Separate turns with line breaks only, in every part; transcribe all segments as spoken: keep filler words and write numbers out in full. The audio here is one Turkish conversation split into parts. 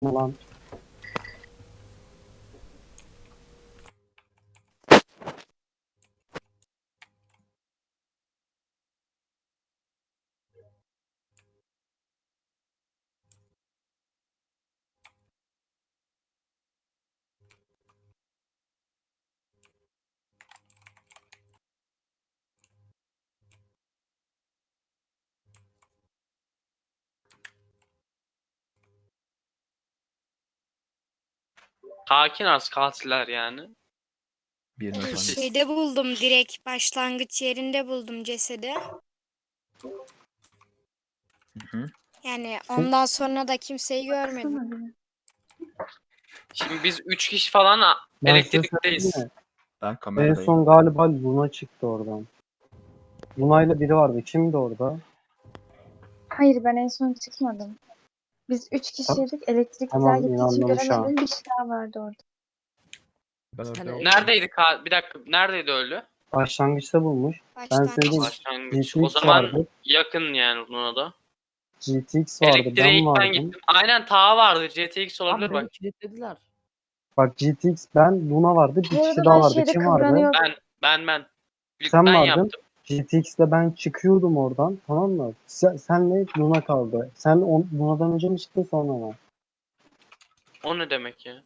Lan.
Hakin az katiller yani.
Bir not hangisi?
Şeyde buldum, direkt başlangıç yerinde buldum cesedi.
Hı hı.
Yani ondan sonra da kimseyi görmedim.
Şimdi biz üç kişi falan a-
Ben size
elektrikteyiz.
söyleyeyim mi?
Ben
En
kameradayım.
son galiba Luna çıktı oradan. Luna ile biri vardı. Kimdi orada?
Hayır, ben en son çıkmadım. Biz üç kişiydik. Elektrik güzel
Tamam,
gittiği için
inandım şu an.
göremedim. Bir kişi daha vardı orada.
Ben orada
Hani-
oldum.
Neredeydi ka bir dakika neredeydi ölü?
Başlangıçta bulmuş. Ben
Başlangıç.
söyleyeyim.
Başlangıç. O
G T X
zaman
vardı.
yakın yani buna da.
G T X vardı.
Elektriğe
Ben
ilk ben
vardım.
gittim. Aynen Taha vardı. G T X
Lan
olabilir
beni
bak.
kilitlediler.
Bak G T X, ben, Luna vardı. Bir
Bu
kişi
arada
daha
ben
vardı.
şeyde
Kim vardı?
kıvranıyordum.
Ben ben ben. İlk
Sen
ben
vardın.
yaptım.
G T X'le ben çıkıyordum oradan. Tamam mı? Sen, senle Luna kaldı. Sen on, Luna'dan önce mi çıktın sonra mı?
O ne demek ya?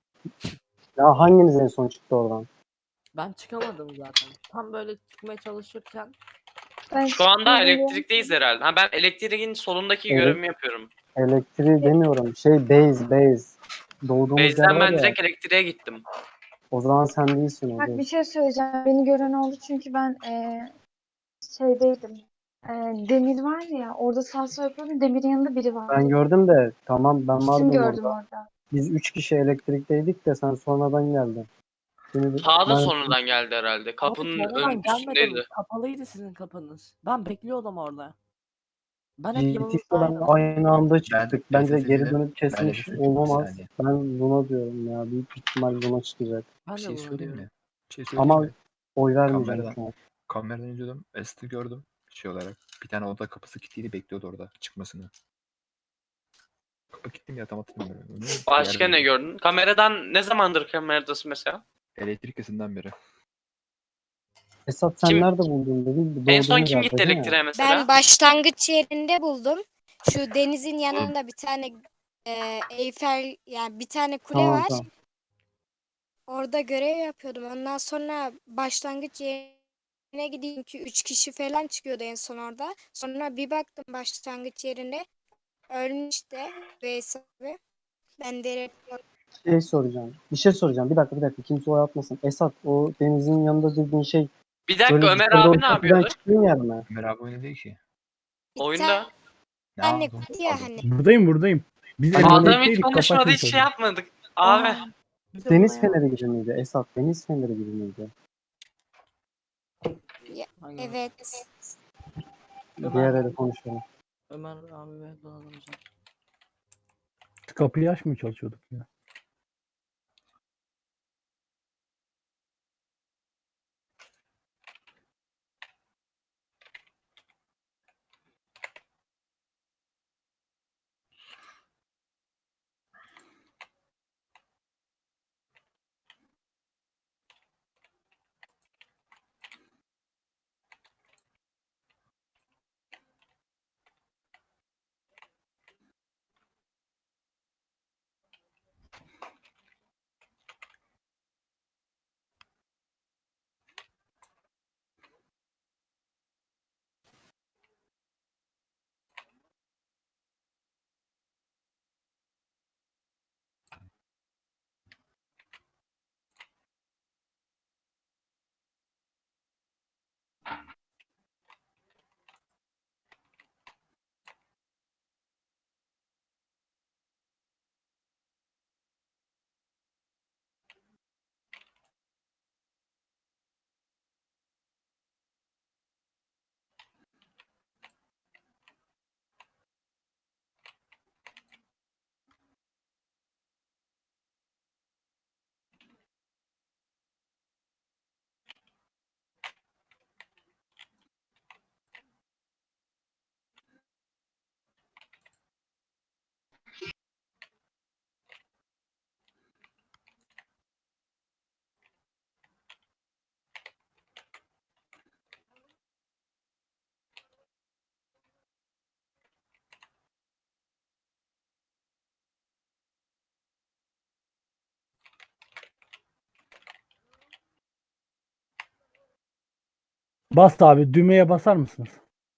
Ya hanginiz en son çıktı oradan?
Ben çıkamadım zaten. Tam böyle çıkmaya çalışırken
Ben
Şu anda
çıkmadım.
elektrikteyiz herhalde. Ha ben elektriğin solundaki
Evet.
görevimi yapıyorum.
Elektriği demiyorum. Şey base base. Doğduğumuz yer
Base'den
var
ben
ya.
direkt elektriğe gittim.
O zaman sen değilsin o
Bak
değil.
bir şey söyleyeceğim. Beni gören oldu çünkü ben eee şeydeydim. Eee, Demir var ya, orada salsa yapıyordum. Demir'in yanında biri vardı.
Ben gördüm de tamam, ben
İsim
vardım
gördüm
orada.
orada.
Biz üç kişi elektrikteydik de sen sonradan geldin. Şimdi
Taha da
ben
sonradan geldi herhalde.
abi
Kapının ön
sonradan gelmedim.
üstündeydi.
Kapalıydı sizin kapınız. Ben bekliyordum orada. Ben hep
G T X'le ben
yanınızdaydım.
aynı anda
Ben
çıktık. Bence
reset
geri
edildim.
dönüp
Ben
kesmiş
reset edildim bir
olamaz.
saniye.
Ben buna diyorum ya. Büyük ihtimal buna çıkacak.
Ben
Bir
de
şey
bunu
söyleyeyim
diyorum.
mi? Bir şey söyleyeyim
Ama
mi?
oy vermeyeceğim
Kameradan,
şu an.
kameradan izliyordum. Est'i gördüm. Şey olarak. Bir tane oda kapısı kilitliydi, bekliyordu orada çıkmasını. Kapı kilitli mi ya, tam hatırlamıyorum. Onu bir
Başka
yerde
ne
duydum.
gördün? Kameradan ne zamandır kameradasın mesela?
Elektrik kesinden beri.
Esat sen
Kim
nerede buldun dedin?
en son
Doğduğumuz
kim
yerde
gitti
değil mi?
elektriğe
Ben
mesela?
başlangıç yerinde buldum. Şu denizin yanında bir tane e, Eyfel, yani bir tane kule
Tamam
var.
tamam.
Orada görev yapıyordum. Ondan sonra başlangıç yerine gideyim ki üç kişi falan çıkıyordu en son orada. Sonra bir baktım başlangıç yerine ölmüş de Veys abi. Ben direkt
Şey soracağım. Bir şey soracağım. Bir dakika bir dakika. Kimse oy atmasın. Esat, o denizin yanında dediğin şey
Bir dakika
böyle
Ömer
yukarıda
abi ne
ortadan
yapıyordu?
çıktığın yer mi?
Ömer abi oyunu değil ki.
bir
Oyunda.
Ne
tane
yaptın?
kule ya
Pardon.
hani.
Buradayım buradayım. Biz
Hani
Adam hiç
elektrikteydik, kapı
konuşmadı, hiç
açmış
şey
oldum.
yapmadık. Abi.
Aa, bir de
Deniz
buna
feneri
yapmış.
gibi miydi? Esat, deniz feneri gibi miydi?
Ya,
Aynen.
evet.
Diğer
Ömer,
ele konuşalım.
Ömer abi ve Doğan hocam.
Kapıyı açmaya çalışıyorduk ya. Bas abi düğmeye basar mısınız?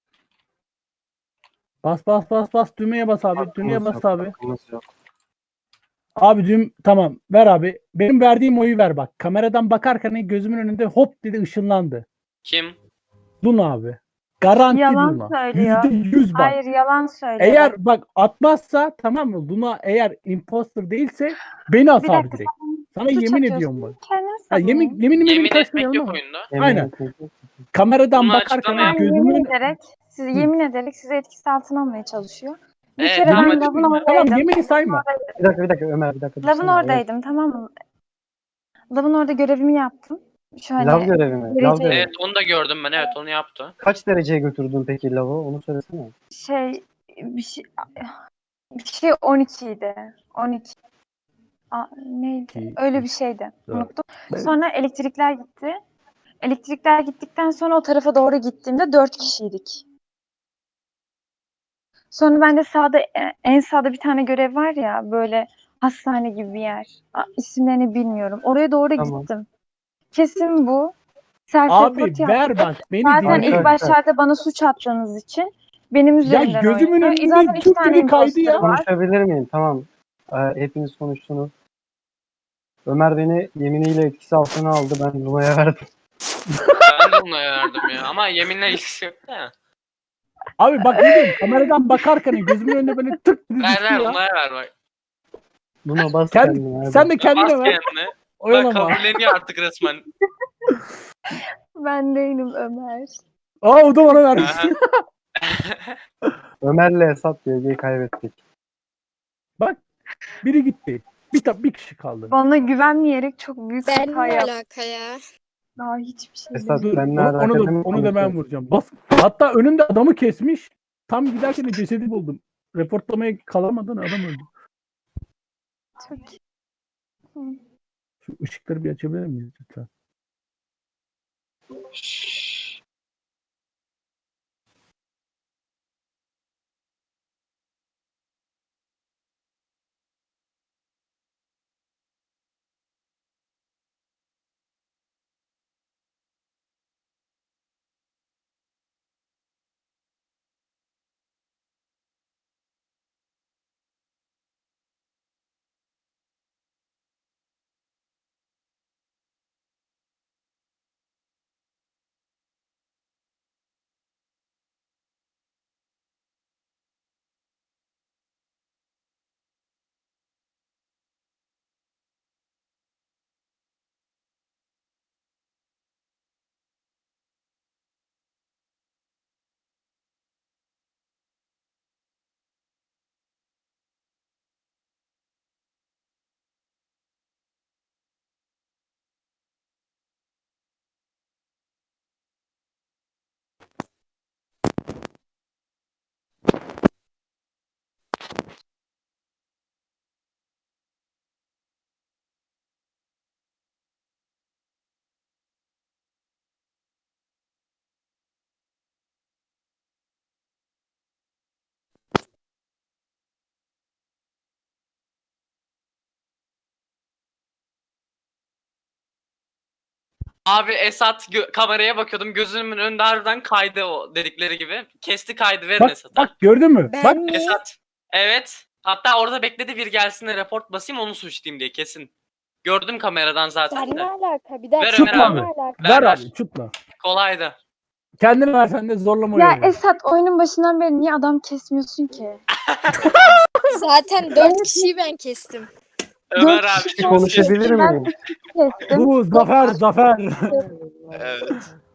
Bas bas bas bas düğmeye bas abi. Düğmeye
Hakkımız
bas
yok,
abi.
hakkımız yok.
Abi düğüm tamam ver abi. Benim verdiğim oyu ver bak. Kameradan bakarken gözümün önünde hop dedi ışınlandı.
Kim?
Luna abi. Garanti
Yalan
Luna.
söylüyor.
Yüzde yüz bak.
Hayır yalan söylüyor.
Eğer bak atmazsa tamam mı? Luna eğer imposter değilse beni as
Bir
abi
dakika,
direkt. Sana
Suç
yemin
atıyorsun,
ediyorum bak.
kendini
Ha,
savun.
yemin yemin yemin
Yemin etmek
karşılayalım
yok
ama.
oyunda.
Yemin
Aynen.
etmek yok.
Kameradan
Bunu
bakarken
açıklamayalım.
Ben yemin
gözümün
ederek, sizi
Hı.
yemin ederek sizi etkisi altına almaya çalışıyor. Bir
Evet,
kere
tamam,
ben
hadi
lavın
buyurun.
oradaydım.
tamam yemini sayma.
Bir dakika bir dakika Ömer bir dakika.
Lavın
dursana.
oradaydım tamam mı? Lavın orada görevimi yaptım. Şöyle
Lav görevi mi?
derece-
Lav görevi.
Evet onu da gördüm ben. Evet onu yaptı.
Kaç dereceye götürdün peki lavı? Onu söylesene.
şey bir şey bir şey on iki idi. on iki. Aa, neydi?
İki,
Öyle bir şeydi.
dört.
Unuttum. Sonra elektrikler gitti. Elektrikler gittikten sonra o tarafa doğru gittiğimde dört kişiydik. Sonra ben de sağda e, en sağda bir tane görev var ya böyle hastane gibi bir yer. Aa, isimlerini bilmiyorum. Oraya doğru
Tamam.
gittim. Kesin bu. Self
Abi
report
ver
yaptı.
bak beni
Zaten
dinle.
ilk başlarda bana suç attığınız için benim üzerimden
gözümün
oynadı.
önünde
Zaten üç
tüp
tane
gibi kaydı
imposter
ya.
var.
Konuşabilir miyim? Tamam. Ee, hepiniz konuştunuz. Ömer beni yeminiyle etkisi altına aldı. Ben Luna'ya verdim.
Ben de ona verdim ya. Ama yeminle ilgisi yok da.
Abi bak ne diyeyim kameradan bakarken gözümün önünde böyle tık dedi
Ver
düştü
ver
ya.
Luna'ya ver bak.
Luna bas
Sen,
kendine. hadi.
sen de
Bas
kendine ver.
kendine. Bak
Oyalama.
kabulleniyor artık resmen.
Ben değilim Ömer.
Aa o da bana verdi.
Aha.
Ömer'le Esat diye kaybettik.
Biri gitti. Bir, ta- bir kişi kaldı.
Bana güvenmeyerek çok büyük
Ben
hata
ne
yaptım.
alaka ya?
Daha hiçbir şey
Esat
değil.
Dur,
benimle
onu, onu
alakalı
da,
mı
onu da ben
konuşuyorsun?
vuracağım. Bas. Hatta önümde adamı kesmiş. Tam giderken de cesedi buldum. Reportlamaya kalamadan adam öldü.
Çok Hı.
Şu ışıkları bir açabilir miyiz lütfen?
Abi Esat gö- kameraya bakıyordum. Gözümün önünde harbiden kaydı o dedikleri gibi. Kesti kaydı verin
Bak,
Esat'a.
bak gördün mü?
Ben
Bak
mi?
Esat. Evet. Hatta orada bekledi bir gelsin de report basayım onu suçlayayım diye kesin. Gördüm kameradan zaten
Ben ne
de.
alaka? Bir dakika.
Ver
Ömer
ben
abi.
ne alaka?
Ver
ver
ver.
abi çutla.
Kolaydı.
Kendini versen de zorlama
Ya
oyunu.
Esat oyunun başından beri niye adam kesmiyorsun ki?
Zaten dört kişiyi ben kestim.
Ömer
Dört
abi
kişi
çok
Konuşabilir
Ben
miyim?
kestim.
Bu zafer zafer.
Evet.